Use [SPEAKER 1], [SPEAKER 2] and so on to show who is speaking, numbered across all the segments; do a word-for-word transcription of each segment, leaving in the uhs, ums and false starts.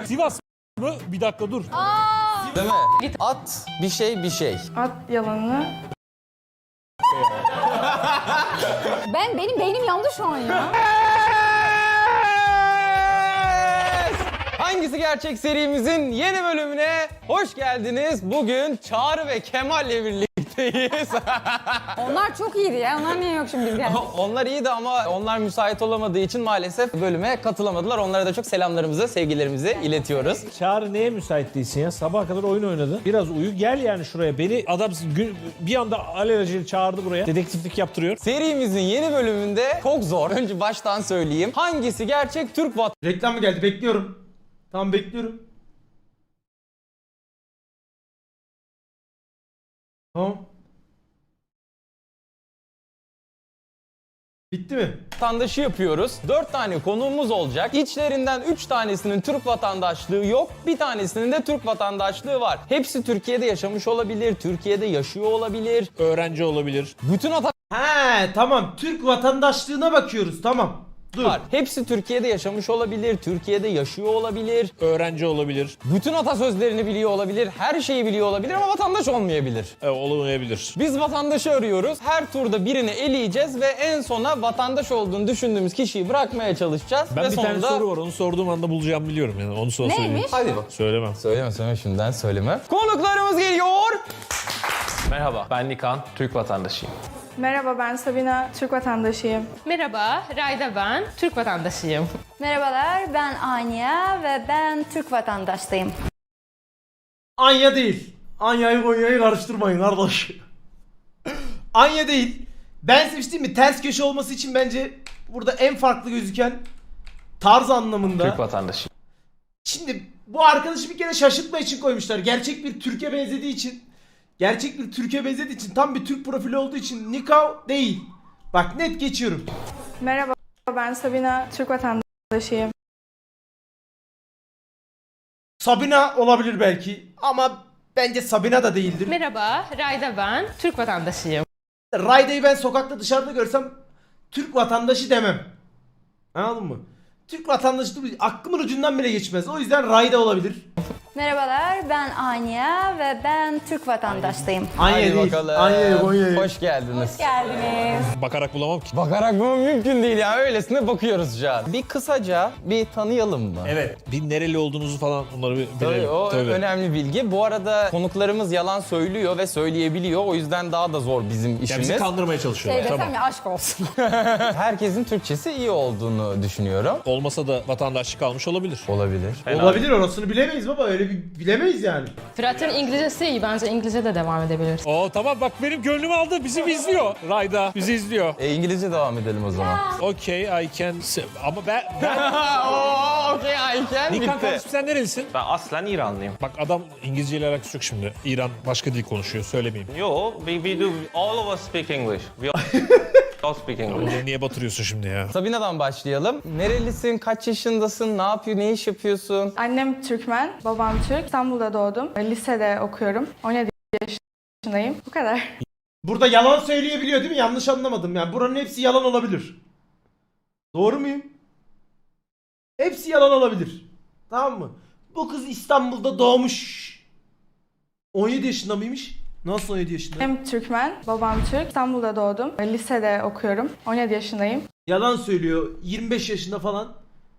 [SPEAKER 1] Sivas mı? Bir dakika dur.
[SPEAKER 2] Aa! Değil mi? At bir şey bir şey.
[SPEAKER 3] At yalanını.
[SPEAKER 4] Ben benim beynim yandı şu an ya.
[SPEAKER 2] Hangisi Gerçek serimizin yeni bölümüne hoş geldiniz. Bugün Çağrı ve Kemal'le birlikteyiz.
[SPEAKER 4] Onlar çok iyiydi ya. Onlar niye yok şimdi yani?
[SPEAKER 2] Onlar iyiydi ama onlar müsait olamadığı için maalesef bölüme katılamadılar. Onlara da çok selamlarımızı, sevgilerimizi iletiyoruz.
[SPEAKER 1] Çağrı neye müsait değilsin ya? Sabaha kadar oyun oynadı. Biraz uyu, gel yani şuraya. Beni adam gün, bir anda alelacele çağırdı buraya. Dedektiflik yaptırıyor.
[SPEAKER 2] Serimizin yeni bölümünde çok zor. Önce baştan söyleyeyim. Hangisi gerçek Türk
[SPEAKER 5] Reklam mı geldi? Bekliyorum. Tamam bekliyorum. Tamam. Bitti mi?
[SPEAKER 2] vatandaşı yapıyoruz. Dört tane konuğumuz olacak. İçlerinden üç tanesinin Türk vatandaşlığı yok. Bir tanesinin de Türk vatandaşlığı var. Hepsi Türkiye'de yaşamış olabilir. Türkiye'de yaşıyor olabilir.
[SPEAKER 1] Öğrenci olabilir.
[SPEAKER 2] Bütün
[SPEAKER 5] He tamam. Türk vatandaşlığına bakıyoruz. Tamam. Dur.
[SPEAKER 2] var. Hepsi Türkiye'de yaşamış olabilir. Türkiye'de yaşıyor olabilir.
[SPEAKER 1] Öğrenci olabilir.
[SPEAKER 2] Bütün atasözlerini biliyor olabilir. Her şeyi biliyor olabilir ama vatandaş olmayabilir.
[SPEAKER 1] E, olamayabilir.
[SPEAKER 2] Biz vatandaşı arıyoruz. Her turda birini eleyeceğiz ve en sona vatandaş olduğunu düşündüğümüz kişiyi bırakmaya çalışacağız.
[SPEAKER 1] Ben
[SPEAKER 2] ve
[SPEAKER 1] bir
[SPEAKER 2] sonunda...
[SPEAKER 1] tane soru var. Onu sorduğum anda bulacağımı biliyorum yani. Onu sonra söyleyeyim.
[SPEAKER 4] Neymiş?
[SPEAKER 2] Hadi bak.
[SPEAKER 1] Söylemem.
[SPEAKER 2] Söyleme söyleme şimdiden söyleme. Konuklarımız geliyor.
[SPEAKER 6] Merhaba, ben Nikan, Türk vatandaşıyım.
[SPEAKER 3] Merhaba, ben Sabina, Türk vatandaşıyım.
[SPEAKER 7] Merhaba, Rayda ben, Türk vatandaşıyım.
[SPEAKER 4] Merhabalar, ben Anya ve ben Türk vatandaşıyım.
[SPEAKER 5] Anya değil. Anya'yı Konya'yı karıştırmayın kardeş. Anya değil. Ben seçtim mi? Ters köşe olması için bence burada en farklı gözüken tarz anlamında.
[SPEAKER 6] Türk vatandaşıyım.
[SPEAKER 5] Şimdi bu arkadaşı bir kere şaşırtma için koymuşlar. Gerçek bir Türkiye benzediği için. Gerçek bir Türkiye benzediği için, tam bir Türk profili olduğu için Nikav değil. Bak net geçiyorum.
[SPEAKER 3] Merhaba, ben Sabina, Türk vatandaşıyım.
[SPEAKER 5] Sabina olabilir belki ama bence Sabina da değildir.
[SPEAKER 7] Merhaba, Rayda ben, Türk vatandaşıyım.
[SPEAKER 5] Rayda'yı ben sokakta dışarıda görsem Türk vatandaşı demem. Anladın mı? Türk vatandaşı değil, aklımın ucundan bile geçmez. O yüzden Rayda olabilir.
[SPEAKER 4] Merhabalar, ben Anya ve ben Türk vatandaşıyım.
[SPEAKER 5] Anya
[SPEAKER 2] Hadi
[SPEAKER 5] değil.
[SPEAKER 2] bakalım.
[SPEAKER 5] Anya, Konya'yı.
[SPEAKER 2] Hoş geldiniz.
[SPEAKER 4] Geldiniz.
[SPEAKER 1] Bakarak bulamam ki.
[SPEAKER 2] Bakarak mı mümkün değil ya. Öylesine bakıyoruz şu an. Bir kısaca bir tanıyalım mı?
[SPEAKER 1] Evet. Bir nereli olduğunuzu falan onları bir
[SPEAKER 2] Tabii
[SPEAKER 1] bilelim.
[SPEAKER 2] o
[SPEAKER 1] Tabii.
[SPEAKER 2] önemli bilgi. Bu arada konuklarımız yalan söylüyor ve söyleyebiliyor. O yüzden daha da zor bizim
[SPEAKER 1] Ya
[SPEAKER 2] işimiz.
[SPEAKER 1] bizi kandırmaya çalışıyorlar.
[SPEAKER 4] Şey desem
[SPEAKER 1] Tamam.
[SPEAKER 4] ya aşk olsun.
[SPEAKER 2] Herkesin Türkçesi iyi olduğunu düşünüyorum.
[SPEAKER 1] Olmasa da vatandaşlık almış olabilir.
[SPEAKER 2] Olabilir.
[SPEAKER 5] Olabilir, orasını bilemeyiz baba. Öyle bir bilemeyiz yani.
[SPEAKER 7] Fırat'ın İngilizcesi iyi, bence İngilizce de devam edebilir.
[SPEAKER 1] Oo tamam bak benim gönlümü aldı. Bizi izliyor. Rayda bizi izliyor.
[SPEAKER 2] E, İngilizce devam edelim o zaman.
[SPEAKER 1] Okay, I can... se- Ama ben... ben...
[SPEAKER 2] Oo, okey Ayken
[SPEAKER 1] Nikan
[SPEAKER 2] bitti.
[SPEAKER 1] kardeşim sen nerelisin?
[SPEAKER 6] Ben aslen İranlıyım.
[SPEAKER 1] Bak adam İngilizce ile alakası yok şimdi. İran başka dil konuşuyor. Söylemeyeyim.
[SPEAKER 6] Yo, we, we do, all of us speak English. We all, all speak English.
[SPEAKER 1] Beni niye batırıyorsun şimdi ya?
[SPEAKER 2] Sabina'dan başlayalım. Nerelisin, kaç yaşındasın, ne yapıyor, ne iş yapıyorsun?
[SPEAKER 3] Annem Türkmen, babam Türk. İstanbul'da doğdum. Lisede okuyorum. on yedi yaşındayım. Bu kadar.
[SPEAKER 5] Burada yalan söyleyebiliyor değil mi? Yanlış anlamadım yani. Buranın hepsi yalan olabilir. Doğru muyum? Hepsi yalan olabilir. Tamam mı? Bu kız İstanbul'da doğmuş. on yedi yaşında mıymış? Nasıl on yedi yaşında?
[SPEAKER 3] Annem Türkmen, babam Türk. İstanbul'da doğdum. Lisede okuyorum. on yedi yaşındayım.
[SPEAKER 5] Yalan söylüyor. yirmi beş yaşında falan.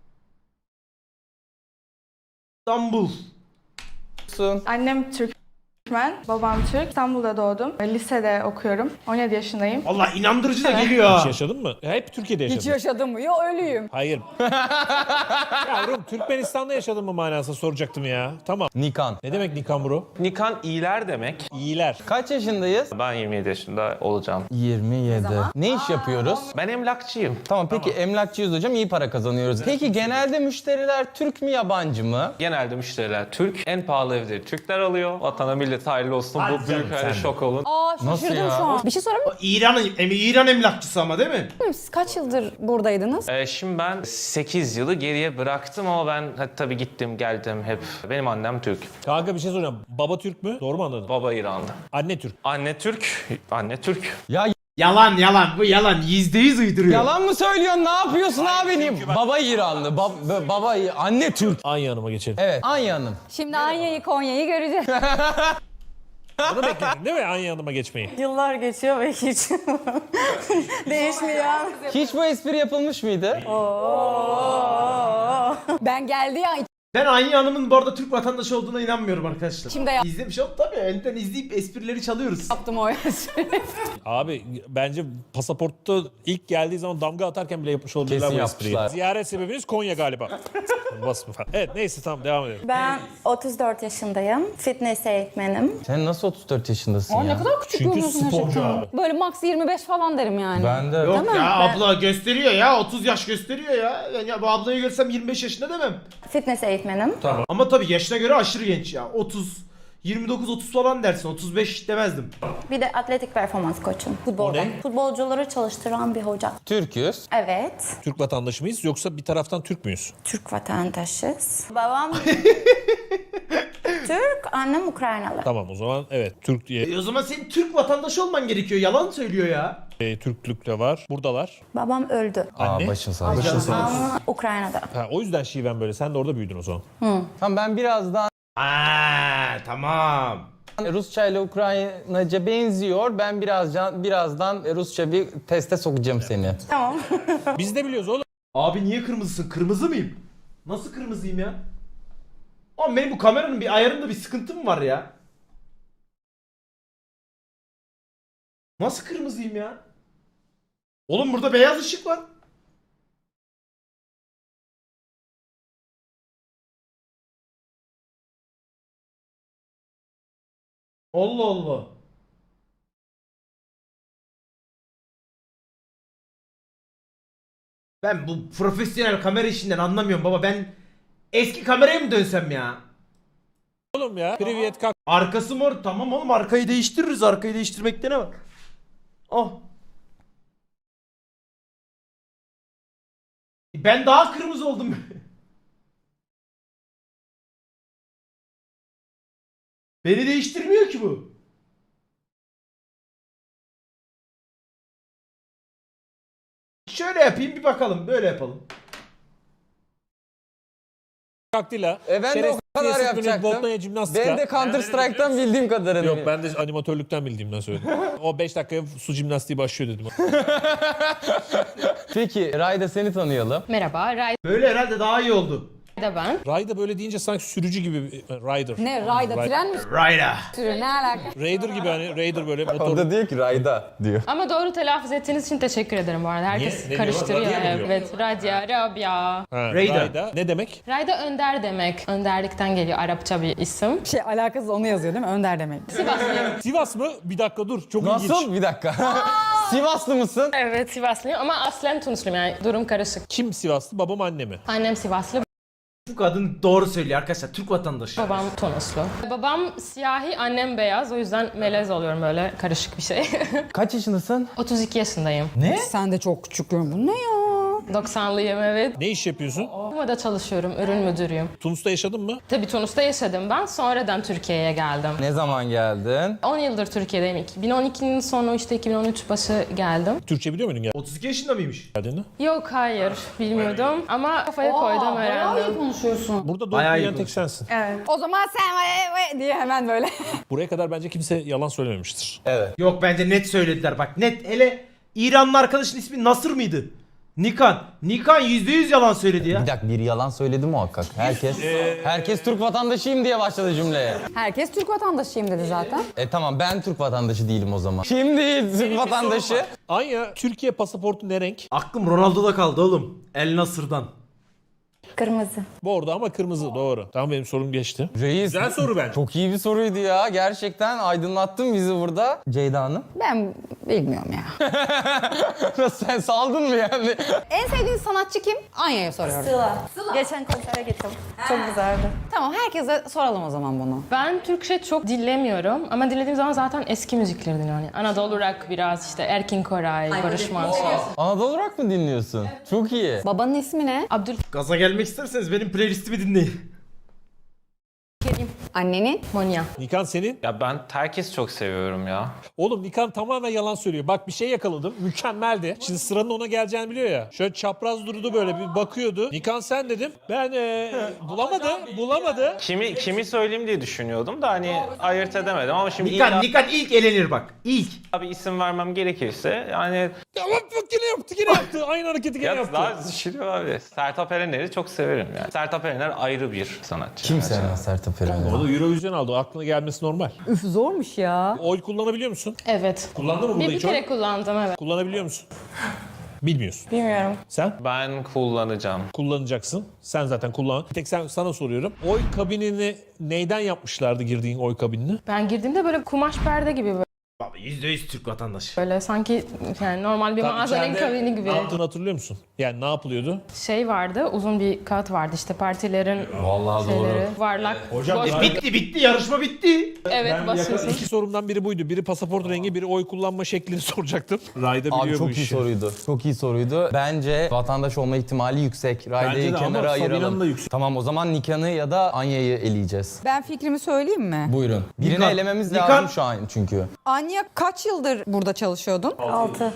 [SPEAKER 5] İstanbul.
[SPEAKER 3] Annem Türkmen, babam Türk. İstanbul'da doğdum. Lisede okuyorum. on yedi yaşındayım.
[SPEAKER 5] Allah inandırıcı da geliyor
[SPEAKER 1] Hiç
[SPEAKER 5] ha.
[SPEAKER 1] yaşadın mı? Hep Türkiye'de yaşadın.
[SPEAKER 4] Hiç yaşadım mı? Yo ölüyüm.
[SPEAKER 1] Hayır. Yavrum Türkmenistan'da yaşadın mı manasında soracaktım ya. Tamam.
[SPEAKER 2] Nikan.
[SPEAKER 1] Ne demek Nikan bro?
[SPEAKER 6] Nikan iyiler demek.
[SPEAKER 1] İyiler.
[SPEAKER 2] Kaç yaşındayız?
[SPEAKER 6] Ben yirmi yedi yaşında olacağım.
[SPEAKER 2] yirmi yedi. Ne iş yapıyoruz?
[SPEAKER 6] Ben emlakçıyım.
[SPEAKER 2] Tamam peki emlakçıyız hocam, iyi para kazanıyoruz. Peki genelde müşteriler Türk mü yabancı mı?
[SPEAKER 6] Genelde müşteriler Türk. En pahalı evleri Türkler alıyor. Vatana millet hayırlı olsun.
[SPEAKER 1] Hadi
[SPEAKER 6] Bu büyük
[SPEAKER 1] canım,
[SPEAKER 6] öyle
[SPEAKER 1] sen de.
[SPEAKER 6] şok olun.
[SPEAKER 4] Aa
[SPEAKER 2] Nasıl
[SPEAKER 4] şaşırdım
[SPEAKER 2] ya?
[SPEAKER 4] şu an. Bir şey sorabilir
[SPEAKER 5] İran, em, İran emlakçısı ama değil mi?
[SPEAKER 4] miyim? Siz kaç yıldır buradaydınız?
[SPEAKER 6] Ee, şimdi ben sekiz yılı geriye bıraktım ama ben hadi tabii gittim geldim hep. Benim annem Türk.
[SPEAKER 1] Kanka bir şey soracağım. Baba Türk mü? Doğru mu anladım?
[SPEAKER 6] Baba İranlı.
[SPEAKER 1] Anne Türk.
[SPEAKER 6] Anne Türk. Anne Türk.
[SPEAKER 2] Ya
[SPEAKER 5] Yalan yalan bu yalan. Yüzde yüz uyduruyor.
[SPEAKER 2] Yalan mı söylüyorsun? Ne yapıyorsun abi? Baba İranlı, bab- baba anne Türk.
[SPEAKER 1] Anya Hanım'a geçelim.
[SPEAKER 2] Evet, Anya Hanım.
[SPEAKER 4] Şimdi Anya'yı, Konya'yı göreceğiz.
[SPEAKER 1] Bunu bekledin değil mi Anya Hanım'a geçmeyi?
[SPEAKER 8] Yıllar geçiyor ve hiç değişmiyor.
[SPEAKER 2] Hiç bu espri yapılmış mıydı?
[SPEAKER 4] Ben geldi ya
[SPEAKER 5] Ben Anya Hanım'ın bu arada Türk vatandaşı olduğuna inanmıyorum arkadaşlar.
[SPEAKER 4] İçimde yap-
[SPEAKER 5] İzlemiş ol tabii. Önden izleyip esprileri çalıyoruz.
[SPEAKER 4] yaptım o espri.
[SPEAKER 1] Abi bence pasaportta ilk geldiği zaman damga atarken bile yapmış olabilirler
[SPEAKER 2] Kesin
[SPEAKER 1] bu espriyi.
[SPEAKER 2] yapmışlar.
[SPEAKER 1] Ziyaret sebebiniz Konya galiba. Basma falan. Evet neyse tamam devam edelim.
[SPEAKER 8] Ben otuz dört yaşındayım. Fitness eğitmenim.
[SPEAKER 2] Sen nasıl otuz dört yaşındasın ya?
[SPEAKER 4] Ne kadar küçük
[SPEAKER 1] Çünkü
[SPEAKER 4] görünüyorsun
[SPEAKER 1] sporcu
[SPEAKER 4] gerçekten.
[SPEAKER 1] abi.
[SPEAKER 4] Böyle max yirmi beş falan derim yani.
[SPEAKER 2] Ben de.
[SPEAKER 5] Yok
[SPEAKER 4] mi?
[SPEAKER 5] ya
[SPEAKER 4] Ben-
[SPEAKER 5] abla gösteriyor ya. otuz yaş gösteriyor ya. Yani ya bu ablayı görsem yirmi beş yaşında demem.
[SPEAKER 8] Fitness eğitmenim.
[SPEAKER 5] Ama tabii yaşına göre aşırı genç ya. otuz, yirmi dokuz otuz falan dersin. otuz beş demezdim.
[SPEAKER 8] Bir de atletik performans koçum. Futbolda.
[SPEAKER 1] O ne?
[SPEAKER 8] Futbolcuları çalıştıran bir hoca.
[SPEAKER 2] Türk'üz.
[SPEAKER 8] Evet.
[SPEAKER 1] Türk vatandaşı mıyız yoksa bir taraftan Türk müyüz?
[SPEAKER 8] Türk vatandaşız. Babam Türk, annem Ukraynalı.
[SPEAKER 1] Tamam o zaman evet Türk diye
[SPEAKER 5] E o zaman senin Türk vatandaşı olman gerekiyor. Yalan söylüyor ya.
[SPEAKER 1] e, Türklük de var. Buradalar.
[SPEAKER 8] Babam öldü.
[SPEAKER 1] Anne.
[SPEAKER 2] Aa başın sağ olsun.
[SPEAKER 8] Ama Ukrayna'da.
[SPEAKER 1] Ha, o yüzden şiven böyle. Sen de orada büyüdün o zaman.
[SPEAKER 2] Tamam ben birazdan
[SPEAKER 5] Aa tamam.
[SPEAKER 2] Rusça ile Ukraynaca benziyor. Ben birazdan birazdan Rusça bir teste sokacağım seni.
[SPEAKER 8] Tamam.
[SPEAKER 1] Biz de biliyoruz oğlum.
[SPEAKER 5] Abi niye kırmızısın? Kırmızı mıyım? Nasıl kırmızıyım ya? Oğlum benim bu kameranın bir ayarında bir sıkıntı mı var ya? Nasıl kırmızıyım ya? Oğlum burada beyaz ışık var. Allah Allah. Ben bu profesyonel kamera işinden anlamıyorum baba. Ben eski kameraya mı dönsem ya?
[SPEAKER 1] Oğlum ya. Privyet kalk.
[SPEAKER 5] Arkası mor. Tamam oğlum arkayı değiştiririz. Arkayı değiştirmekte ne var? Oh. Ben daha kırmızı oldum. Beni değiştirmiyor ki bu. Şöyle yapayım bir bakalım. Böyle yapalım.
[SPEAKER 1] Kaktila.
[SPEAKER 2] E ben de o kadar yapacaktım.
[SPEAKER 1] Botnaya jimnastika.
[SPEAKER 2] Ben de Counter Strike'tan bildiğim kadarını.
[SPEAKER 1] Yok ben de animatörlükten bildiğimden söyledim. O beş dakikaya su jimnastiği başlıyor dedim.
[SPEAKER 2] Peki Rayda seni tanıyalım.
[SPEAKER 7] Merhaba, Rayda
[SPEAKER 5] Böyle herhalde daha iyi oldu.
[SPEAKER 7] ben.
[SPEAKER 1] Rayda böyle deyince sanki sürücü gibi bir- Rider.
[SPEAKER 4] Ne rayda
[SPEAKER 1] Ride-
[SPEAKER 4] tren mi
[SPEAKER 5] Rayda.
[SPEAKER 4] sürüyor ne alaka?
[SPEAKER 1] Raider gibi hani Raider böyle
[SPEAKER 2] O
[SPEAKER 1] motor.
[SPEAKER 2] da diyor ki Rayda diyor.
[SPEAKER 7] Ama doğru telaffuz ettiğiniz için teşekkür ederim bu arada. Herkes
[SPEAKER 1] Niye? Ne
[SPEAKER 7] karıştırıyor.
[SPEAKER 1] diyor? Radya mı diyor?
[SPEAKER 7] Evet, Radya, Rabia.
[SPEAKER 1] Ha,
[SPEAKER 5] Raider.
[SPEAKER 1] Rayda. Ne demek?
[SPEAKER 7] Rayda önder demek. Önderlikten geliyor Arapça bir isim.
[SPEAKER 9] Şey alakasız onu yazıyor değil mi? Önder demek.
[SPEAKER 7] Sivaslıyım.
[SPEAKER 1] Sivas mı? Bir dakika dur. Çok ilginç.
[SPEAKER 2] Nasıl? Bir dakika. Sivaslı mısın?
[SPEAKER 7] Evet, Sivaslıyım ama aslen Tunisliyim yani durum karışık.
[SPEAKER 1] Kim Sivaslı? Babam anne mi?
[SPEAKER 7] Annem Sivaslı,
[SPEAKER 5] Bu kadın doğru söylüyor arkadaşlar. Türk vatandaşı.
[SPEAKER 7] babam Tunuslu. Babam siyahi, annem beyaz. O yüzden melez oluyorum böyle karışık bir şey.
[SPEAKER 2] Kaç yaşındasın?
[SPEAKER 7] otuz iki yaşındayım.
[SPEAKER 9] Sen de çok küçük görün. Bu ne ya?
[SPEAKER 7] doksanlıyım evet.
[SPEAKER 1] Ne iş yapıyorsun?
[SPEAKER 7] Kuma'da çalışıyorum, ürün müdürüyüm.
[SPEAKER 1] Tunus'ta yaşadın mı?
[SPEAKER 7] Tabii Tunus'ta yaşadım ben. Sonradan Türkiye'ye geldim.
[SPEAKER 2] Ne zaman geldin?
[SPEAKER 7] on yıldır Türkiye'deyim. iki bin on ikinin sonu işte iki bin on üç başı geldim.
[SPEAKER 1] Türkçe biliyor muydun
[SPEAKER 5] otuz iki yaşında mıymış?
[SPEAKER 1] geldiğinde?
[SPEAKER 7] Yok hayır bilmiyordum ama kafaya koydum
[SPEAKER 4] Bayağı iyi
[SPEAKER 7] öğrendim.
[SPEAKER 4] konuşuyorsun.
[SPEAKER 1] Burada doğru
[SPEAKER 5] Bayağı iyi
[SPEAKER 1] büyüyen tek
[SPEAKER 5] konuşuyor.
[SPEAKER 1] sensin.
[SPEAKER 3] Evet.
[SPEAKER 4] O zaman sen vay vay diye hemen böyle.
[SPEAKER 1] Buraya kadar bence kimse yalan söylememiştir.
[SPEAKER 2] Evet.
[SPEAKER 5] Yok bence net söylediler bak net. Hele İranlı arkadaşın ismi Nasır mıydı? Nikan. Nikan yüzde yüz yalan söyledi ya.
[SPEAKER 2] Bir dakika bir yalan söyledi muhakkak. Herkes herkes Türk vatandaşıyım diye başladı cümleye.
[SPEAKER 4] Herkes Türk vatandaşıyım dedi zaten.
[SPEAKER 2] E tamam ben Türk vatandaşı değilim o zaman. Kim değil Türk vatandaşı?
[SPEAKER 1] Anya, Türkiye pasaportu ne renk?
[SPEAKER 5] Aklım Ronaldo'da kaldı oğlum. El Nasır'dan.
[SPEAKER 8] Kırmızı.
[SPEAKER 1] Bordo ama kırmızı doğru. Tamam benim sorum geçti.
[SPEAKER 2] Reis.
[SPEAKER 1] Güzel soru bence.
[SPEAKER 2] Çok iyi bir soruydu ya. Gerçekten aydınlattın bizi burada. Ceyda Hanım.
[SPEAKER 4] Ben bilmiyorum ya.
[SPEAKER 2] Nasıl sen saldın mı yani?
[SPEAKER 4] En sevdiğin sanatçı kim? Anya'ya soruyorum.
[SPEAKER 8] Sıla. Geçen konsere gittim. Çok güzeldi.
[SPEAKER 4] Tamam herkese soralım o zaman bunu.
[SPEAKER 7] Ben Türkçe çok dinlemiyorum ama dinlediğim zaman zaten eski müzikleri dinliyorum. Yani Anadolu rock biraz işte Erkin Koray, Barış Manço.
[SPEAKER 2] Anadolu rock mı dinliyorsun? Çok iyi.
[SPEAKER 4] Babanın ismi ne?
[SPEAKER 7] Abdülkerim.
[SPEAKER 5] Gaza gelmek isterseniz benim playlistimi dinleyin.
[SPEAKER 9] Annenin?
[SPEAKER 7] Monya.
[SPEAKER 1] Nikan senin?
[SPEAKER 6] Ya ben herkes çok seviyorum ya.
[SPEAKER 1] Oğlum Nikan tamamen yalan söylüyor. Bak bir şey yakaladım. Mükemmeldi. Şimdi sıranın ona geleceğini biliyor ya. Şöyle çapraz durdu böyle bir bakıyordu. Nikan sen dedim. Ben ee, bulamadı. Bulamadı.
[SPEAKER 6] Kimi kimi söyleyeyim diye düşünüyordum da hani ayırt edemedim ama şimdi
[SPEAKER 5] Nikan,
[SPEAKER 6] illa
[SPEAKER 5] Nikan ilk elenir bak. İlk.
[SPEAKER 6] bir isim vermem gerekirse yani
[SPEAKER 1] Ya bak bak yine yaptı yine yaptı. Aynı hareketi yine
[SPEAKER 6] ya
[SPEAKER 1] yaptı.
[SPEAKER 6] daha düşünüyorum abi. Sertab Erener'i çok severim yani. Sertab Erener ayrı bir sanatçı.
[SPEAKER 2] Kim sevmez Sertab Erener'i?
[SPEAKER 1] O da Eurovision aldı. Aklına gelmesi normal.
[SPEAKER 9] Üf zormuş ya.
[SPEAKER 1] Oy kullanabiliyor musun?
[SPEAKER 7] Evet.
[SPEAKER 1] Kullandın mı burada
[SPEAKER 7] Bir, bir
[SPEAKER 1] hiç oy?
[SPEAKER 7] kere kullandım evet.
[SPEAKER 1] Kullanabiliyor musun? Bilmiyorsun.
[SPEAKER 8] Bilmiyorum.
[SPEAKER 1] Sen?
[SPEAKER 6] Ben kullanacağım.
[SPEAKER 1] Kullanacaksın. Sen zaten kullan. Tek sen sana soruyorum. Oy kabinini neyden yapmışlardı girdiğin oy kabinini?
[SPEAKER 7] Ben girdiğimde böyle kumaş perde gibi böyle.
[SPEAKER 5] Baba yüzde yüz Türk vatandaşı.
[SPEAKER 7] Böyle sanki yani normal bir mağazanın
[SPEAKER 1] İçeride
[SPEAKER 7] kabini gibi.
[SPEAKER 1] Ne yaptığını hatırlıyor musun? Yani ne yapılıyordu?
[SPEAKER 7] Şey vardı, uzun bir kağıt vardı işte partilerin
[SPEAKER 2] Vallahi
[SPEAKER 7] şeyleri, varlak.
[SPEAKER 1] Hocam,
[SPEAKER 7] boş-
[SPEAKER 1] ya-
[SPEAKER 5] Bitti bitti yarışma bitti.
[SPEAKER 7] evet basıyorsun.
[SPEAKER 1] İki sorumdan biri buydu. Biri pasaport rengi, biri oy kullanma şeklini soracaktım. Rayda biliyor
[SPEAKER 2] Abi
[SPEAKER 1] bu
[SPEAKER 2] çok iyi
[SPEAKER 1] işi.
[SPEAKER 2] soruydu. Çok iyi soruydu. Bence vatandaş olma ihtimali yüksek.
[SPEAKER 1] Bence
[SPEAKER 2] Rayda'yı
[SPEAKER 1] de ama
[SPEAKER 2] kenara
[SPEAKER 1] Sabina'nın
[SPEAKER 2] ayıralım.
[SPEAKER 1] da yüksek.
[SPEAKER 2] Tamam o zaman Nikan'ı ya da Anya'yı eleyeceğiz.
[SPEAKER 9] Ben fikrimi söyleyeyim mi?
[SPEAKER 2] Buyurun. Birini
[SPEAKER 5] Nikan.
[SPEAKER 2] elememiz
[SPEAKER 5] Nikan.
[SPEAKER 2] lazım şu an çünkü.
[SPEAKER 9] Anya kaç yıldır burada çalışıyordun?
[SPEAKER 8] altı.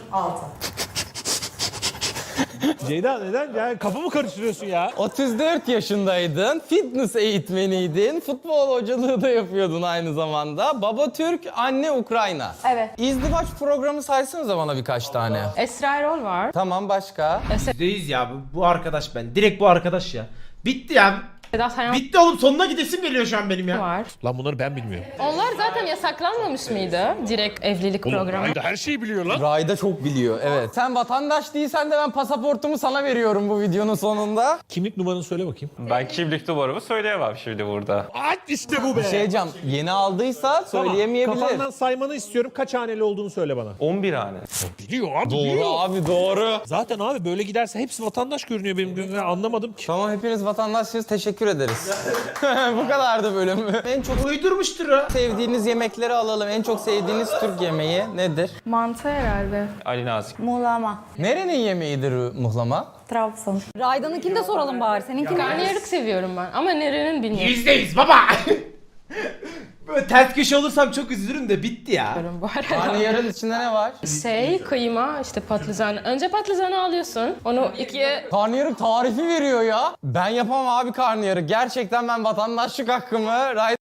[SPEAKER 1] Ceyda neden? Yani kafamı karıştırıyorsun ya.
[SPEAKER 2] otuz dört yaşındaydın, fitness eğitmeniydin, futbol hocalığı da yapıyordun aynı zamanda. Baba Türk, anne Ukrayna.
[SPEAKER 4] Evet.
[SPEAKER 2] İzdivaç programı saysanıza bana birkaç tane.
[SPEAKER 7] Esra Erol var.
[SPEAKER 2] Tamam başka?
[SPEAKER 5] yüzde yüz ya bu, bu arkadaş ben. Direkt bu arkadaş ya. Bitti ya.
[SPEAKER 7] Sedat Sayan
[SPEAKER 5] Bitti oğlum sonuna gidesim geliyor şu an benim ya.
[SPEAKER 7] var.
[SPEAKER 1] Lan bunları ben bilmiyorum.
[SPEAKER 7] Onlar zaten yasaklanmamış mıydı? Direkt evlilik
[SPEAKER 1] Oğlum
[SPEAKER 7] programı.
[SPEAKER 1] Rayda her şeyi biliyor lan.
[SPEAKER 2] Rayda çok biliyor, evet. Sen vatandaş değilsen de ben pasaportumu sana veriyorum bu videonun sonunda.
[SPEAKER 1] Kimlik numaranı söyle bakayım.
[SPEAKER 6] Ben kimlik numaramı söyleyemem şimdi burada.
[SPEAKER 1] Aç işte bu be.
[SPEAKER 2] Şey diyeceğim, yeni aldıysa
[SPEAKER 1] Tamam,
[SPEAKER 2] söyleyemeyebilir.
[SPEAKER 1] kafandan saymanı istiyorum. Kaç haneli olduğunu söyle bana.
[SPEAKER 6] on bir hane.
[SPEAKER 1] Biliyor abi
[SPEAKER 2] Doğru
[SPEAKER 1] biliyor.
[SPEAKER 2] abi doğru.
[SPEAKER 1] Zaten abi böyle giderse hepsi vatandaş görünüyor benim gözümde. Anlamadım ki.
[SPEAKER 2] Tamam hepiniz vatandaşsınız, teşekkür ederiz. Bu kadardı bölüm. En çok
[SPEAKER 5] Uydurmuştur ha.
[SPEAKER 2] sevdiğiniz yemekleri alalım. En çok sevdiğiniz Türk yemeği nedir?
[SPEAKER 3] Mantı herhalde.
[SPEAKER 6] Ali Nazik.
[SPEAKER 8] Muğlama.
[SPEAKER 2] Nerenin yemeğidir muhlama?
[SPEAKER 8] Trabzon.
[SPEAKER 9] Rayda'nınkini de soralım bari. Seninkini.
[SPEAKER 7] Karnıyarık seviyorum ben ama nerenin bilmiyorum
[SPEAKER 5] Yüzde yüz baba. Böyle ters köşe olursam çok üzülürüm de bitti ya.
[SPEAKER 7] bu arada.
[SPEAKER 2] Karnıyarın içinde ne var?
[SPEAKER 7] Şey, kıyma, işte patlıcan. Önce patlıcanı alıyorsun. Onu ikiye...
[SPEAKER 2] Karnıyarık tarifi veriyor ya. Ben yapamam abi karnıyarık. Gerçekten ben vatandaşlık hakkımı Ray-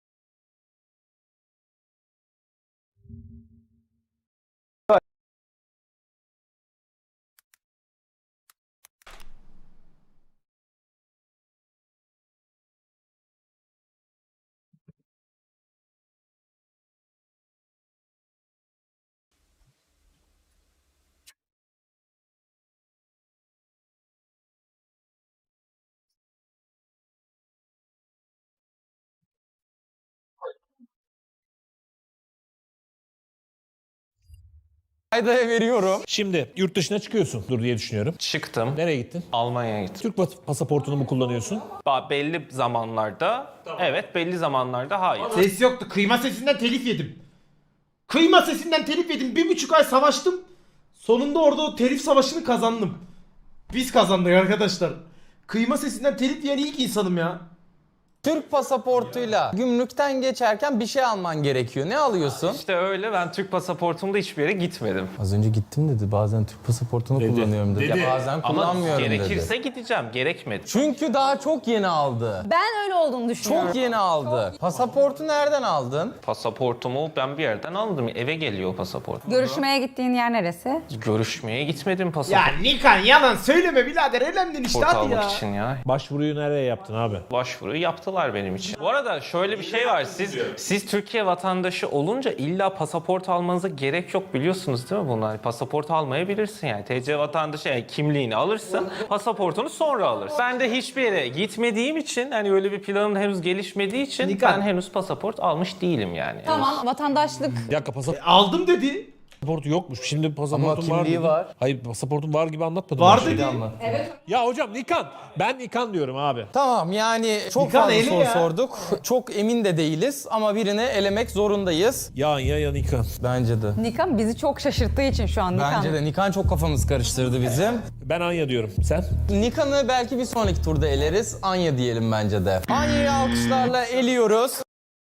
[SPEAKER 2] Rayda'ya veriyorum.
[SPEAKER 1] Şimdi yurt dışına çıkıyorsun dur diye düşünüyorum.
[SPEAKER 6] Çıktım.
[SPEAKER 1] Nereye gittin?
[SPEAKER 6] Almanya'ya gittim.
[SPEAKER 1] Türk pas- pasaportunu mu kullanıyorsun?
[SPEAKER 6] Ba- Belli zamanlarda evet, belli zamanlarda hayır.
[SPEAKER 5] Ses yoktu. Kıyma sesinden telif yedim. Kıyma sesinden telif yedim. Bir buçuk ay savaştım. Sonunda orada o telif savaşını kazandım. Biz kazandık arkadaşlar. Kıyma sesinden telif yiyen ilk insanım ya.
[SPEAKER 2] Türk pasaportuyla gümrükten geçerken bir şey alman gerekiyor. Ne alıyorsun?
[SPEAKER 6] İşte öyle, ben Türk pasaportumda hiçbir yere gitmedim.
[SPEAKER 2] Az önce gittim dedi. Bazen Türk pasaportunu
[SPEAKER 1] Dedi.
[SPEAKER 2] kullanıyorum dedi.
[SPEAKER 1] Dedi.
[SPEAKER 2] Ya bazen
[SPEAKER 6] Ama
[SPEAKER 2] kullanmıyorum
[SPEAKER 6] gerekirse
[SPEAKER 2] dedi.
[SPEAKER 6] gideceğim, gerekmedi.
[SPEAKER 2] Çünkü daha çok yeni aldı.
[SPEAKER 4] Ben öyle olduğunu düşünüyorum.
[SPEAKER 2] Çok yeni aldı. Pasaportu nereden aldın?
[SPEAKER 6] Pasaportumu ben bir yerden aldım. Eve geliyor pasaport.
[SPEAKER 9] Görüşmeye gittiğin yer neresi?
[SPEAKER 6] Görüşmeye gitmedim
[SPEAKER 5] Ya
[SPEAKER 6] pasaport
[SPEAKER 5] Nikan yalan söyleme birader. Elendin işte hadi
[SPEAKER 6] almak
[SPEAKER 5] ya.
[SPEAKER 6] için ya.
[SPEAKER 1] Başvuruyu nereye yaptın abi?
[SPEAKER 6] Başvuruyu yaptılar benim için. Bu arada şöyle bir şey var. Siz siz Türkiye vatandaşı olunca illa pasaport almanıza gerek yok, biliyorsunuz değil mi bunlar? Pasaport almayabilirsin yani. T C vatandaşı yani kimliğini alırsın, pasaportunu sonra alırsın. Ben de hiçbir yere gitmediğim için, hani öyle bir planım henüz gelişmediği için
[SPEAKER 5] Nikan.
[SPEAKER 6] ben henüz pasaport almış değilim yani.
[SPEAKER 9] Tamam vatandaşlık.
[SPEAKER 1] Bir dakika pasaport.
[SPEAKER 5] Aldım dedi.
[SPEAKER 1] Pasaportu yokmuş. Şimdi pasaportum var.
[SPEAKER 2] kimliği
[SPEAKER 1] dedi.
[SPEAKER 2] var.
[SPEAKER 1] Hayır pasaportum var gibi anlatmadım.
[SPEAKER 5] Var
[SPEAKER 1] ben.
[SPEAKER 5] dedi.
[SPEAKER 1] Ya hocam Nikan. Ben Nikan diyorum abi.
[SPEAKER 2] Tamam yani çok
[SPEAKER 5] Nikan
[SPEAKER 2] fazla
[SPEAKER 5] eli
[SPEAKER 2] soru
[SPEAKER 5] ya.
[SPEAKER 2] sorduk. Çok emin de değiliz ama birini elemek zorundayız.
[SPEAKER 1] Ya ya ya Nikan.
[SPEAKER 2] Bence de.
[SPEAKER 9] Nikan bizi çok şaşırttığı için şu an Nikan.
[SPEAKER 2] Bence de Nikan çok kafamız karıştırdı bizim.
[SPEAKER 1] Ben Anya diyorum. Sen?
[SPEAKER 2] Nikan'ı belki bir sonraki turda eleriz. Anya diyelim bence de. Anya'yı alkışlarla eliyoruz.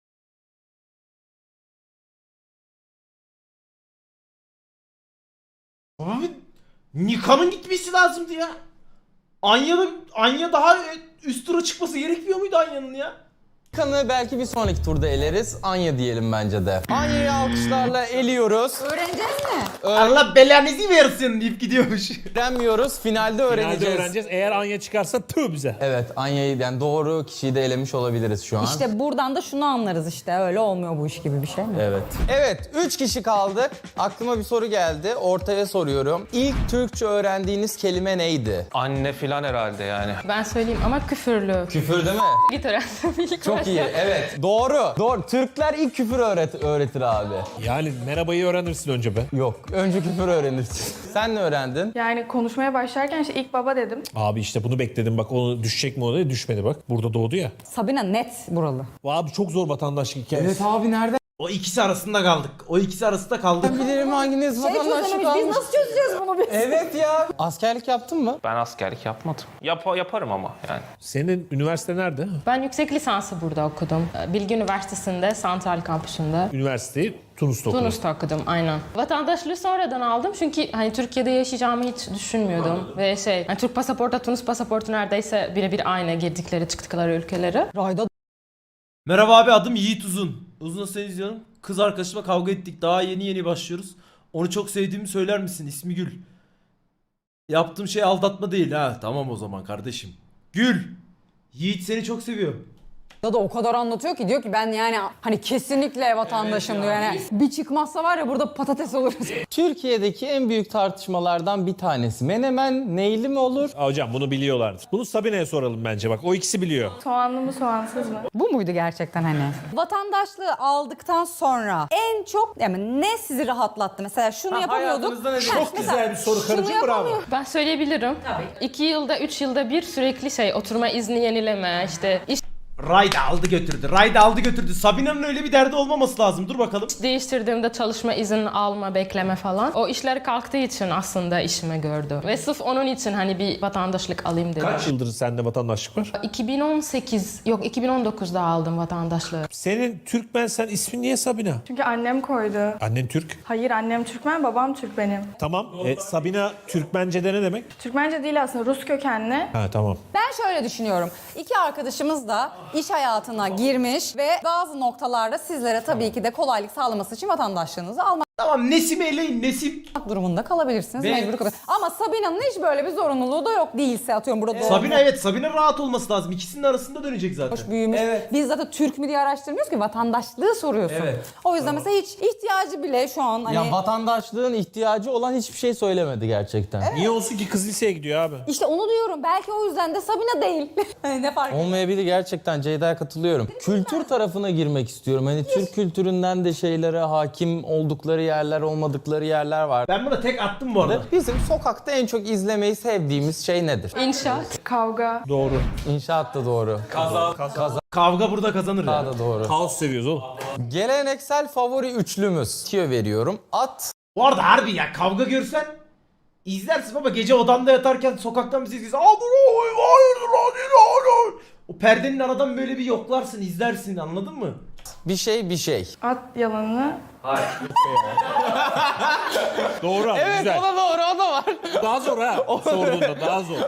[SPEAKER 5] Abi Nikan'ın gitmesi lazımdı ya. Anya'da Anya daha üst tura çıkması gerekmiyor muydu Anya'nın ya?
[SPEAKER 2] Nikan'ı belki bir sonraki turda eleriz. Anya diyelim bence de. Anya'yı alkışlarla eliyoruz.
[SPEAKER 9] Öğreneceğiz mi?
[SPEAKER 5] Allah belanızı versin deyip gidiyormuş.
[SPEAKER 2] Öğrenmiyoruz. Finalde öğreneceğiz.
[SPEAKER 1] Finalde öğreneceğiz. Eğer Anya çıkarsa tüh bize.
[SPEAKER 2] Evet, Anya'yı yani doğru kişiyi de elemiş olabiliriz şu an.
[SPEAKER 9] İşte buradan da şunu anlarız işte. Öyle olmuyor bu iş gibi bir şey mi?
[SPEAKER 2] Evet. Evet, üç kişi kaldık. Aklıma bir soru geldi. Ortaya soruyorum. İlk Türkçe öğrendiğiniz kelime neydi?
[SPEAKER 6] Anne filan herhalde yani.
[SPEAKER 7] Ben söyleyeyim ama küfürlü.
[SPEAKER 2] Küfür değil mi?
[SPEAKER 7] Git öğrendim ilk
[SPEAKER 2] Çok iyi. Evet. Doğru. Doğru. Türkler ilk küfür öğret öğretir abi.
[SPEAKER 1] Yani merhabayı öğrenirsin önce be.
[SPEAKER 2] Yok. Önce küfür öğrenirsin. Sen ne öğrendin?
[SPEAKER 3] Yani konuşmaya başlarken işte ilk baba dedim.
[SPEAKER 1] Abi işte bunu bekledim bak onu düşecek mi o da düşmedi bak. Burada doğdu ya.
[SPEAKER 9] Sabina net buralı.
[SPEAKER 1] Abi çok zor vatandaşlık hikayesi.
[SPEAKER 2] abi nereden
[SPEAKER 5] O ikisi arasında kaldık. O ikisi arasında kaldık.
[SPEAKER 2] bilirim hanginiz vatandaşlık
[SPEAKER 9] Biz
[SPEAKER 2] almış?
[SPEAKER 9] nasıl çözeceğiz bunu biz?
[SPEAKER 2] Evet ya. Askerlik yaptın mı?
[SPEAKER 6] Ben askerlik yapmadım. Yap yaparım ama yani.
[SPEAKER 1] Senin üniversite nerede?
[SPEAKER 7] Ben yüksek lisansı burada okudum. Bilgi Üniversitesi'nde, Santral Kampüsü'nde.
[SPEAKER 1] Üniversiteyi Tunus'ta okudun.
[SPEAKER 7] Tunus'ta okudum aynen. Vatandaşlığı sonradan aldım çünkü hani Türkiye'de yaşayacağımı hiç düşünmüyordum. Ve şey, hani Türk pasaportu, Tunus pasaportu neredeyse birebir aynı girdikleri çıktıkları ülkeleri.
[SPEAKER 9] Rayda
[SPEAKER 5] Merhaba abi, adım Yiğit Uzun. Uzun seni izliyorum. Kız arkadaşımla kavga ettik. Daha yeni yeni başlıyoruz. Onu çok sevdiğimi söyler misin? İsmi Gül. Yaptığım şey aldatma değil ha. Tamam o zaman kardeşim. Gül. Yiğit seni çok seviyor.
[SPEAKER 9] da o kadar anlatıyor ki diyor ki ben yani hani kesinlikle vatandaşım diyor. Yani bir çıkmazsa var ya burada patates oluruz.
[SPEAKER 2] Türkiye'deki en büyük tartışmalardan bir tanesi. Menemen neyli mi olur?
[SPEAKER 1] Aa, hocam bunu biliyorlardır. Bunu Sabine'ye soralım bence bak. O ikisi biliyor.
[SPEAKER 3] Soğanlı mı soğansız mı?
[SPEAKER 9] Bu muydu gerçekten hani? Vatandaşlığı aldıktan sonra en çok yani ne sizi rahatlattı? Mesela şunu
[SPEAKER 2] Ha,
[SPEAKER 9] yapamıyorduk.
[SPEAKER 2] hayatınızda ne-
[SPEAKER 9] Ha,
[SPEAKER 1] Çok
[SPEAKER 9] mesela
[SPEAKER 1] güzel bir soru
[SPEAKER 9] şunu
[SPEAKER 1] karıcığım, bravo.
[SPEAKER 9] yapamıyorum.
[SPEAKER 7] Ben söyleyebilirim. Tabii. İki yılda, üç yılda bir sürekli şey oturma izni yenileme, işte iş
[SPEAKER 5] Rayda aldı götürdü. Rayda aldı götürdü. Sabina'nın öyle bir derdi olmaması lazım. Dur bakalım.
[SPEAKER 7] değiştirdiğimde çalışma izin alma, bekleme falan. O işler kalktığı için aslında işime gördü. Ve sırf onun için hani bir vatandaşlık alayım dedim.
[SPEAKER 1] Kaç yıldır sende vatandaşlık var?
[SPEAKER 7] iki bin on sekiz, yok iki bin on dokuzda aldım vatandaşlığı.
[SPEAKER 1] Senin Türkmen, sen ismin niye Sabina?
[SPEAKER 3] Çünkü annem koydu.
[SPEAKER 1] Annen Türk.
[SPEAKER 3] Hayır, annem Türkmen, babam Türk benim.
[SPEAKER 1] Tamam. E, Sabina Türkmence'de ne demek?
[SPEAKER 3] Türkmence değil aslında, Rus kökenli.
[SPEAKER 1] Ha tamam.
[SPEAKER 9] Ben şöyle düşünüyorum. İki arkadaşımız da iş hayatına girmiş ve bazı noktalarda sizlere tabii ki de kolaylık sağlaması için vatandaşlığınızı almak
[SPEAKER 5] Tamam, Nesim'i eleyin, Nesim.
[SPEAKER 9] durumunda kalabilirsiniz.
[SPEAKER 5] Ve-
[SPEAKER 9] Mecbur kalabilirsiniz. Ama Sabina'nın hiç böyle bir zorunluluğu da yok değilse atıyorum burada doğum,
[SPEAKER 5] Sabina evet, Sabina rahat olması lazım. İkisinin arasında dönecek zaten.
[SPEAKER 9] büyümüş. Biz zaten Türk mü diye araştırmıyoruz ki vatandaşlığı soruyorsun.
[SPEAKER 2] Evet.
[SPEAKER 9] O yüzden mesela hiç ihtiyacı bile şu an hani
[SPEAKER 2] Ya vatandaşlığın ihtiyacı olan hiçbir şey söylemedi gerçekten.
[SPEAKER 1] Niye olsun ki, kız liseye gidiyor abi.
[SPEAKER 9] işte onu diyorum. Belki o yüzden de Sabina değil. Hani ne fark
[SPEAKER 2] Olmayabilir gerçekten, Ceyda'ya katılıyorum. Kültür tarafına girmek istiyorum. Hani Türk kültüründen de şeylere hakim oldukları yerler, olmadıkları yerler var.
[SPEAKER 5] Ben buna tek attım bu arada.
[SPEAKER 2] Bizim sokakta en çok izlemeyi sevdiğimiz şey nedir?
[SPEAKER 7] İnşaat.
[SPEAKER 3] Kavga.
[SPEAKER 1] Doğru.
[SPEAKER 2] İnşaat da doğru.
[SPEAKER 1] Kaza. Kaza.
[SPEAKER 5] Kavga burada kazanır
[SPEAKER 2] Daha
[SPEAKER 5] ya.
[SPEAKER 2] da doğru.
[SPEAKER 1] Kaos seviyoruz oğlum.
[SPEAKER 2] Geleneksel favori üçlümüz. Tüyo veriyorum. At,
[SPEAKER 5] Bu arada harbi ya, kavga görsen izlersin ama gece odanda yatarken sokaktan bir ses gelirse, "Aa, bu ne? Hayırdır lan, ne lan?" O perdenin aradan böyle bir yoklarsın, izlersin, anladın mı?
[SPEAKER 2] bir şey bir şey.
[SPEAKER 3] At yalanını.
[SPEAKER 1] Doğru abi, güzel.
[SPEAKER 2] o da doğru, o da var.
[SPEAKER 1] Daha zor ha. Sorduğunda daha zor.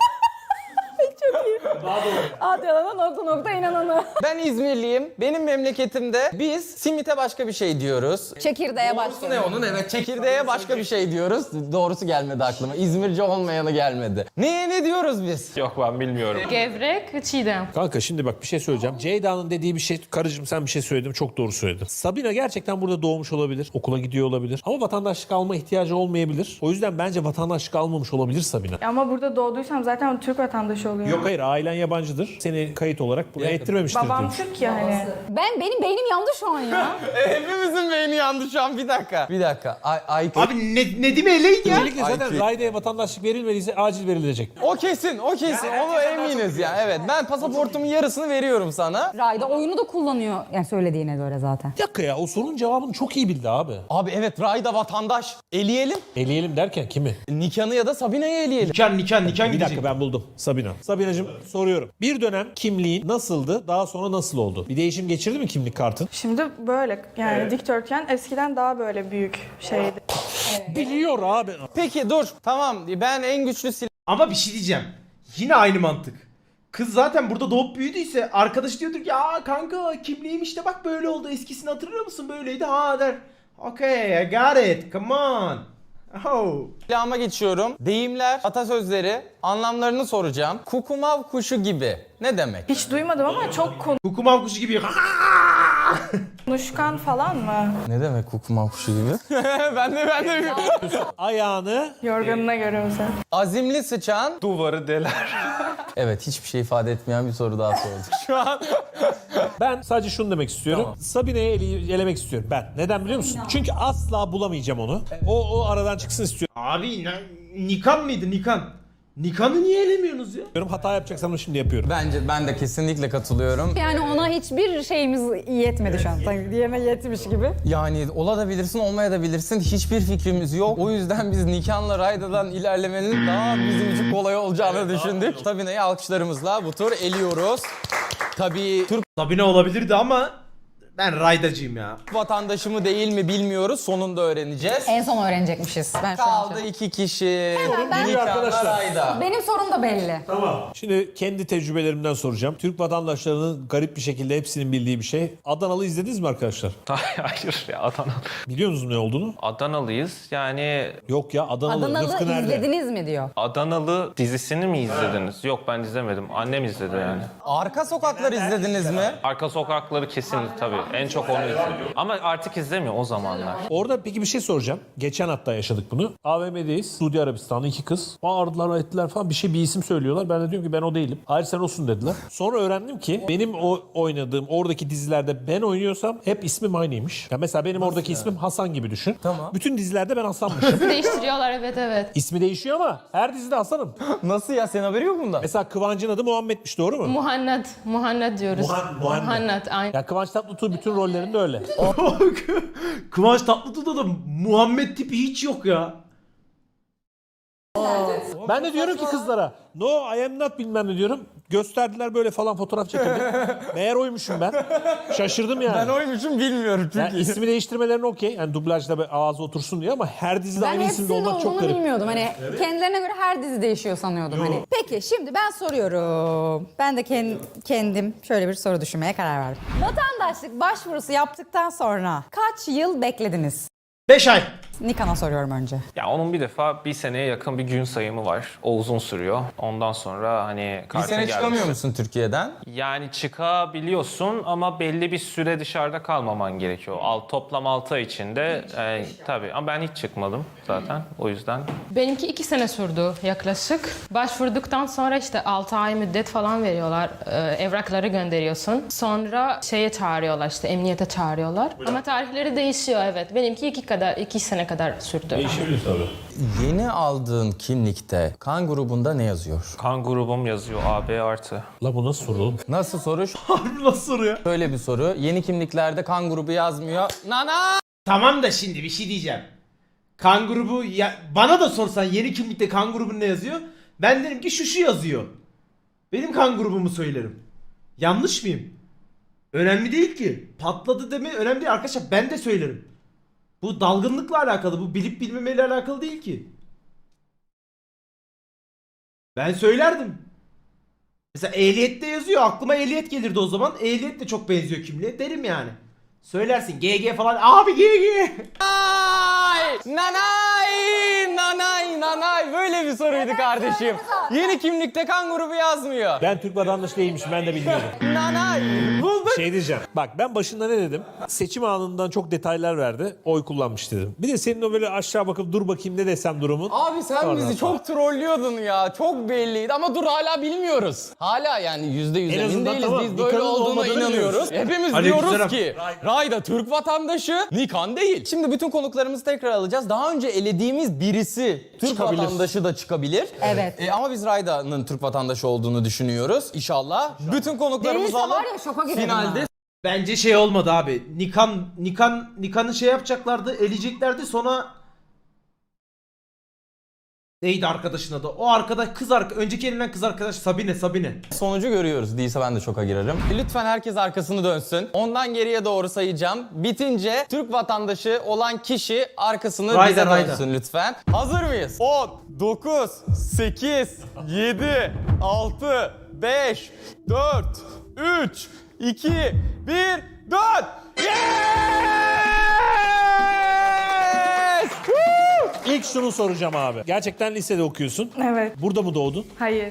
[SPEAKER 9] Hadi yalana nokta nokta inananı.
[SPEAKER 2] Ben İzmirliyim. Benim memleketimde biz simite başka bir şey diyoruz.
[SPEAKER 9] Çekirdeğe
[SPEAKER 2] Doğrusu
[SPEAKER 9] başlıyor.
[SPEAKER 2] ne onun? Evet, çekirdeğe başka bir şey diyoruz. Doğrusu gelmedi aklıma. İzmirce olmayanı gelmedi. Neye ne diyoruz biz?
[SPEAKER 6] Yok ben bilmiyorum.
[SPEAKER 7] Gevrek ve çiğdem.
[SPEAKER 1] Kanka şimdi bak bir şey söyleyeceğim. Ceyda'nın dediği bir şey, karıcığım sen bir şey söyledin, çok doğru söyledin. Sabina gerçekten burada doğmuş olabilir, okula gidiyor olabilir. Ama vatandaşlık alma ihtiyacı olmayabilir. O yüzden bence vatandaşlık almamış olabilir Sabina.
[SPEAKER 3] Ama burada doğduysam zaten Türk vatandaşı oluyorum.
[SPEAKER 1] Yok hayır, ailen yabancıdır. Seni kayıt olarak buraya ettirmemiştir
[SPEAKER 3] Babam
[SPEAKER 1] diyor.
[SPEAKER 3] Türk ya hani.
[SPEAKER 9] Ben benim beynim yandı şu an ya.
[SPEAKER 2] Hepimizin beyni yandı şu an. Bir dakika. Bir dakika. Ay, ay,
[SPEAKER 5] Abi ne, Nedim eleydi ya.
[SPEAKER 1] Özellikle zaten Rayda'ya vatandaşlık verilmediyse acil verilecek.
[SPEAKER 2] O kesin, o kesin. Onu eminiz ya. Evet, ben pasaportumun yarısını veriyorum sana.
[SPEAKER 9] Rayda oyunu da kullanıyor. Yani söylediğine göre zaten.
[SPEAKER 1] Bir dakika ya o sorunun cevabını çok iyi bildi abi.
[SPEAKER 2] Abi evet, Rayda vatandaş. Eleyelim.
[SPEAKER 1] Eleyelim derken kimi?
[SPEAKER 2] Nikan'ı ya da Sabine'yi eleyelim.
[SPEAKER 5] Nikan nikan nikan
[SPEAKER 1] Bir
[SPEAKER 5] gidecek.
[SPEAKER 1] dakika ben buldum. Sabina. Sabinacığım soruyorum. Bir dönem kimliğin nasıldı? Daha sonra nasıl oldu? Bir değişim geçirdi mi kimlik kartın?
[SPEAKER 3] Şimdi böyle yani dikdörtgen eskiden daha böyle büyük şeydi.
[SPEAKER 1] Biliyor abi.
[SPEAKER 2] Peki dur, tamam. Ben en güçlü silah...
[SPEAKER 5] Ama bir şey diyeceğim. Yine aynı mantık. Kız zaten burada doğup büyüdüyse arkadaş diyordur ki aa kanka kimliğim işte bak böyle oldu. Eskisini hatırlıyor musun? Böyleydi ha der. Okay, I got it. Come on. Oh.
[SPEAKER 2] silahıma geçiyorum. Deyimler, atasözleri, anlamlarını soracağım. Kukumav kuşu gibi. Ne demek?
[SPEAKER 3] Hiç duymadım ama çok
[SPEAKER 5] Kukumav kuşu gibi.
[SPEAKER 3] konuşkan falan mı?
[SPEAKER 2] Ne demek kukumav kuşu gibi? ben de ben de
[SPEAKER 1] Ayağını
[SPEAKER 3] Yorganına göre özel.
[SPEAKER 2] Azimli sıçan.
[SPEAKER 6] Duvarı deler.
[SPEAKER 2] Evet, hiçbir şey ifade etmeyen bir soru daha sorduk. Şu an
[SPEAKER 1] ben sadece şunu demek istiyorum.
[SPEAKER 2] Tamam.
[SPEAKER 1] Sabine'yi ele- elemek istiyorum ben. Neden biliyor musun? Çünkü asla bulamayacağım onu. O, o aradan çıksın istiyorum.
[SPEAKER 5] Abi ne- Nikan mıydı Nikan? Nikan'ı niye elemiyorsunuz ya?
[SPEAKER 1] Hata yapacaksam da şimdi yapıyorum.
[SPEAKER 2] bence ben de kesinlikle katılıyorum.
[SPEAKER 9] Yani ona hiçbir şeyimiz yetmedi şu an. Sanki diğerine yetmiş gibi.
[SPEAKER 2] Yani olabilirsin, olmayabilirsin. Hiçbir fikrimiz yok. O yüzden biz Nikan'la Rayda'dan ilerlemenin daha bizim için kolay olacağını düşündük. Sabine'yi alkışlarımızla bu tur eliyoruz. Tabii Türk
[SPEAKER 5] Sabine olabilirdi ama ben raydacıyım ya.
[SPEAKER 2] vatandaşı mı değil mi bilmiyoruz. Sonunda öğreneceğiz.
[SPEAKER 9] En son öğrenecekmişiz. Ben şu an
[SPEAKER 2] Kaldı iki kişi.
[SPEAKER 9] ben-
[SPEAKER 2] Nikan'la
[SPEAKER 1] arkadaşlar.
[SPEAKER 2] Rayda.
[SPEAKER 9] Benim sorum da belli.
[SPEAKER 1] Şimdi kendi tecrübelerimden soracağım. Türk vatandaşlarının garip bir şekilde hepsinin bildiği bir şey. Adanalı izlediniz mi arkadaşlar?
[SPEAKER 6] Hayır ya Adana.
[SPEAKER 1] Biliyor musunuz ne olduğunu?
[SPEAKER 6] Adanalıyız. Yani
[SPEAKER 1] Yok ya Adanalı.
[SPEAKER 9] Adanalı
[SPEAKER 1] Rıfkı nerede?
[SPEAKER 9] izlediniz mi diyor.
[SPEAKER 6] Adanalı dizisini mi izlediniz? Yok ben izlemedim. Annem izledi yani.
[SPEAKER 2] Arka Sokaklar izlediniz mi?
[SPEAKER 6] Arka Sokakları kesin tabii. En çok onu izliyor. Ama artık izlemiyor o zamanlar.
[SPEAKER 1] Orada peki bir şey soracağım. Geçen hatta yaşadık bunu. A V M'deyiz. Suudi Arabistan'da iki kız. Bağırdılar ettiler falan bir şey bir isim söylüyorlar. Ben de diyorum ki ben o değilim. Hayır sen olsun dediler. Sonra öğrendim ki benim o oynadığım oradaki dizilerde ben oynuyorsam hep ismim aynıymış. Ya mesela benim oradaki ismim Hasan gibi düşün.
[SPEAKER 2] Tamam.
[SPEAKER 1] Bütün dizilerde ben Hasan'mışım.
[SPEAKER 7] Değiştiriyorlar evet evet.
[SPEAKER 1] İsmi değişiyor ama her dizide Hasan'ım.
[SPEAKER 2] Nasıl ya? Senin haberi yok bundan?
[SPEAKER 1] Mesela Kıvancı'nın adı Muhammed'miş doğru mu?
[SPEAKER 7] Muhanned. Muhanned diyoruz.
[SPEAKER 1] Muhan- Muhanned.
[SPEAKER 7] Muhanned aynen.
[SPEAKER 1] Ya Kıvanç Tatlıtuğ bütün rollerinde öyle.
[SPEAKER 5] Kıvanç Tatlıtuğ'da da Muhammed tipi hiç yok ya.
[SPEAKER 1] Ben de diyorum ki kızlara no I am not bilmem ne diyorum. Gösterdiler böyle falan fotoğraf çekildi. Meğer oymuşum ben. Şaşırdım yani.
[SPEAKER 2] Ben oymuşum bilmiyorum çünkü.
[SPEAKER 1] Yani ismi değiştirmelerine okey. Yani dublajda böyle ağzı otursun diye ama her dizide
[SPEAKER 9] Ben
[SPEAKER 1] aynı isimde
[SPEAKER 9] hepsinin
[SPEAKER 1] olmak çok
[SPEAKER 9] olduğunu
[SPEAKER 1] garip.
[SPEAKER 9] bilmiyordum. Hani kendilerine göre her dizi değişiyor sanıyordum hani. Peki şimdi ben soruyorum. Ben de ken- kendim şöyle bir soru düşünmeye karar verdim. Vatandaşlık başvurusu yaptıktan sonra kaç yıl beklediniz?
[SPEAKER 5] beş ay.
[SPEAKER 9] Nikan'a soruyorum önce.
[SPEAKER 6] Ya onun bir defa bir seneye yakın bir gün sayımı var. O uzun sürüyor. Ondan sonra hani
[SPEAKER 2] Bir
[SPEAKER 6] kartın
[SPEAKER 2] sene
[SPEAKER 6] gelmesi-
[SPEAKER 2] çıkamıyor musun Türkiye'den?
[SPEAKER 6] Yani çıkabiliyorsun ama belli bir süre dışarıda kalmaman gerekiyor. Al, toplam altı ay içinde e, tabii ama ben hiç çıkmadım zaten o yüzden.
[SPEAKER 7] Benimki iki sene sürdü yaklaşık. Başvurduktan sonra işte altı ay müddet falan veriyorlar. Ee, evrakları gönderiyorsun. Sonra şeye çağırıyorlar işte emniyete çağırıyorlar. Ama tarihleri değişiyor evet. Benimki iki kadar iki sene kadar sürdü.
[SPEAKER 1] Değişebilir tabii.
[SPEAKER 2] Yeni aldığın kimlikte kan grubunda ne yazıyor?
[SPEAKER 6] Kan grubum yazıyor A B artı.
[SPEAKER 1] La bu nasıl soru oğlum?
[SPEAKER 2] Nasıl soru?
[SPEAKER 5] Harbi nasıl soru ya?
[SPEAKER 2] Şöyle bir soru. Yeni kimliklerde kan grubu yazmıyor. Nana!
[SPEAKER 5] Tamam da şimdi bir şey diyeceğim. Kan grubu ya, bana da sorsan yeni kimlikte kan grubun ne yazıyor? Ben derim ki şu şu yazıyor. Benim kan grubumu söylerim. Yanlış mıyım? Önemli değil ki. Patladı deme önemli değil arkadaşlar ben de söylerim. Bu dalgınlıkla alakalı bu bilip bilmemeyle alakalı değil ki. Ben söylerdim. Mesela ehliyette yazıyor aklıma ehliyet gelirdi o zaman. Ehliyet de çok benziyor kimliğe derim yani. Söylersin G G falan abi G G.
[SPEAKER 2] Ay! Nanay! Nanay! Nanay! Böyle bir soruydu kardeşim. Yeni kimlikte kan grubu yazmıyor.
[SPEAKER 1] Ben Türk vatandaşı değilmişim ben de bilmiyordum.
[SPEAKER 2] Nanay! Bulduk
[SPEAKER 1] Şey diyeceğim. Bak ben başında ne dedim? Seçim anından çok detaylar verdi. Oy kullanmış dedim. Bir de senin o böyle aşağı bakıp dur bakayım ne desem durumun.
[SPEAKER 2] Abi sen
[SPEAKER 1] Oradan
[SPEAKER 2] bizi
[SPEAKER 1] sonra.
[SPEAKER 2] çok trollüyordun ya. Çok belliydi ama dur hala bilmiyoruz. Hala yani yüzde yüz
[SPEAKER 1] En
[SPEAKER 2] emin
[SPEAKER 1] azından
[SPEAKER 2] değiliz.
[SPEAKER 1] tamam,
[SPEAKER 2] Biz böyle
[SPEAKER 1] Nikan'ın
[SPEAKER 2] olduğuna
[SPEAKER 1] olmadığını
[SPEAKER 2] inanıyoruz.
[SPEAKER 1] biliyoruz.
[SPEAKER 2] Hepimiz
[SPEAKER 5] Aleykümselam.
[SPEAKER 2] diyoruz ki Rayda Türk vatandaşı, Nikan değil. Şimdi bütün konuklarımızı tekrar alacağız. Daha önce elediğimiz birisi Türk
[SPEAKER 1] Çıkabilir.
[SPEAKER 2] vatandaşı da çıkabilir.
[SPEAKER 9] Evet.
[SPEAKER 2] E, ama biz Rayda'nın Türk vatandaşı olduğunu düşünüyoruz. İnşallah. Bütün konuklarımızı
[SPEAKER 9] Değilse
[SPEAKER 2] alıp
[SPEAKER 9] var ya şoka girerim
[SPEAKER 2] finalde
[SPEAKER 9] ha.
[SPEAKER 5] Bence şey olmadı abi. Nikan Nikan Nikan'ı şey yapacaklardı, eleyeceklerdi sonra neydi arkadaşın adı? O arkadaş kız arka önceki elinden kız arkadaş Sabine Sabine.
[SPEAKER 2] sonucu görüyoruz. Değilse ben de şoka girerim. Lütfen herkes arkasını dönsün. Ondan geriye doğru sayacağım. Bitince Türk vatandaşı olan kişi arkasını
[SPEAKER 5] Rayda,
[SPEAKER 2] bize
[SPEAKER 5] Rayda.
[SPEAKER 2] dönsün lütfen. Hazır mıyız? on, dokuz, sekiz, yedi, altı, beş, dört, üç, iki, bir, dön! Yes! Woo!
[SPEAKER 1] İlk şunu soracağım abi. Gerçekten lisede okuyorsun.
[SPEAKER 3] Evet.
[SPEAKER 1] Burada mı doğdun?
[SPEAKER 3] Hayır.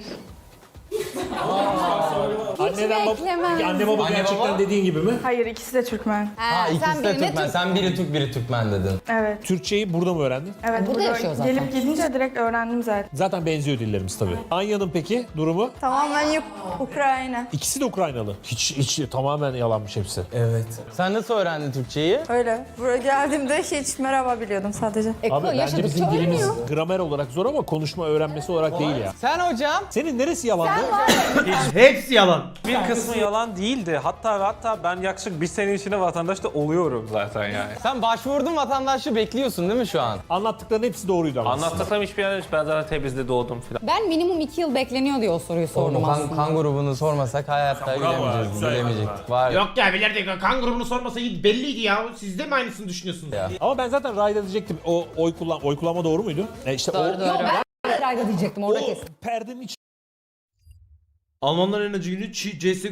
[SPEAKER 1] Anneden bab-
[SPEAKER 9] beklemem.
[SPEAKER 1] Peki anne baba
[SPEAKER 2] Anne
[SPEAKER 1] gerçekten
[SPEAKER 2] baba?
[SPEAKER 1] dediğin gibi mi?
[SPEAKER 3] Hayır, ikisi de Türkmen.
[SPEAKER 2] Ha, ikisi de Türkmen. Sen biri Türk, biri Türkmen dedin.
[SPEAKER 3] Evet.
[SPEAKER 1] Türkçeyi burada mı öğrendin?
[SPEAKER 3] Evet,
[SPEAKER 9] burada yaşıyor zaten.
[SPEAKER 3] Gelip gidince direkt öğrendim zaten.
[SPEAKER 1] Zaten benziyor dillerimiz tabii. Anya'nın peki durumu?
[SPEAKER 8] Tamamen Uk- Ukrayna.
[SPEAKER 1] İkisi de Ukraynalı. Hiç, hiç tamamen yalanmış hepsi.
[SPEAKER 2] Evet. Sen nasıl öğrendin Türkçeyi?
[SPEAKER 8] Öyle. Buraya geldiğimde hiç merhaba biliyordum sadece.
[SPEAKER 9] E,
[SPEAKER 1] Abi bence
[SPEAKER 9] yaşadıkça
[SPEAKER 1] bizim dilimiz
[SPEAKER 9] öğreniyor.
[SPEAKER 1] gramer olarak zor ama konuşma öğrenmesi olarak değil ya.
[SPEAKER 2] Sen hocam?
[SPEAKER 1] Senin neresi yalandı?
[SPEAKER 5] Hepsi yalan.
[SPEAKER 6] Bir kısmı yalan değildi. Hatta ve hatta ben yaklaşık bir sene içinde vatandaş da oluyorum zaten yani.
[SPEAKER 2] Sen başvurdun vatandaşlığı bekliyorsun değil mi şu an?
[SPEAKER 1] Anlattıkların hepsi doğruydu ama.
[SPEAKER 6] Anlattıklarım hiçbir yer yok. Ben zaten Tebriz'de doğdum filan.
[SPEAKER 9] Ben minimum iki yıl bekleniyor diye o soruyu sordum
[SPEAKER 2] Oğlum, kan,
[SPEAKER 9] aslında.
[SPEAKER 2] kan grubunu sormasak hayatta bilemeyeceğiz. Bilemeyecektik. Var
[SPEAKER 5] Yok ya bilirdik. Kan grubunu sormasa iyi belliydi ya. Siz de mi aynısını düşünüyorsunuz?
[SPEAKER 2] Ya.
[SPEAKER 1] Ama ben zaten Rayda diyecektim. O oy kullan oy kullanma doğru muydu? E işte
[SPEAKER 7] Doğru,
[SPEAKER 1] o,
[SPEAKER 7] doğru.
[SPEAKER 9] Ben Rayda diyecektim orada
[SPEAKER 1] o
[SPEAKER 9] kesin.
[SPEAKER 1] perdenin iç
[SPEAKER 5] Almanların en acı günü C S